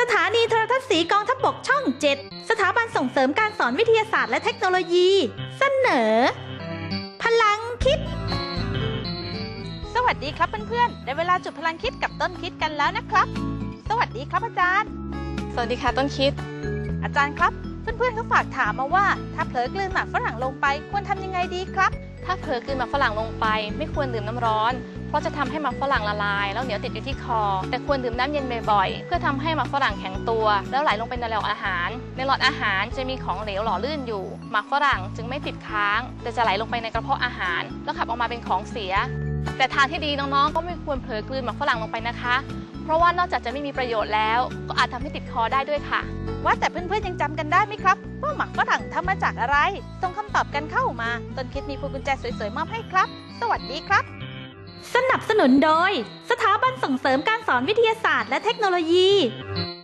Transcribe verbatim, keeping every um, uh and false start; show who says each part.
Speaker 1: สถานีโทรทัศน์สีกองทัพบกช่องเจ็ดสถาบันส่งเสริมการสอนวิทยาศาสตร์และเทคโนโลยี เสนอ พลังคิด
Speaker 2: สวัสดีครับเพื่อนๆได้เวลาจุดพลังคิดกับต้นคิดกันแล้วนะครับสวัสดีครับอาจารย์
Speaker 3: สวัสดีค่ะต้นคิด
Speaker 2: อาจารย์ครับเพื่อนๆเขาฝากถามมาว่าถ้าเผลอกลืนหมากฝรั่งลงไปควรทำยังไงดีครับ
Speaker 3: ถ้าเผลอกลืนหมากฝรั่งลงไปไม่ควรดื่มน้ำร้อนเพราะจะทำให้หมากฝรั่งละลายแล้วเหนียวติดอยู่ที่คอแต่ควรดื่มน้ำเย็นบ่อยๆเพื่อทำให้หมากฝรั่งแข็งตัวแล้วไหลลงไปในหลอดอาหารในหลอดอาหารจะมีของเหลวหล่อลื่นอยู่หมากฝรั่งจึงไม่ติดค้างแต่จะไหลลงไปในกระเพาะอาหารแล้วขับออกมาเป็นของเสียแต่ทางที่ดีน้องๆก็ไม่ควรเผลอกลืนหมากฝรั่งลงไปนะคะเพราะว่านอกจากจะไม่มีประโยชน์แล้วก็อาจทำให้ติดคอได้ด้วยค่ะ
Speaker 2: ว่าแต่เพื่อนๆยังจำกันได้ไหมครับว่าหมากฝรั่งทำมาจากอะไรส่งคำตอบกันเข้ามาต้นคิดมีพวงกุญแจสวยๆมอบให้ครับสวัสดีครับ
Speaker 1: สนับสนุนโดยสถาบันส่งเสริมการสอนวิทยาศาสตร์และเทคโนโลยี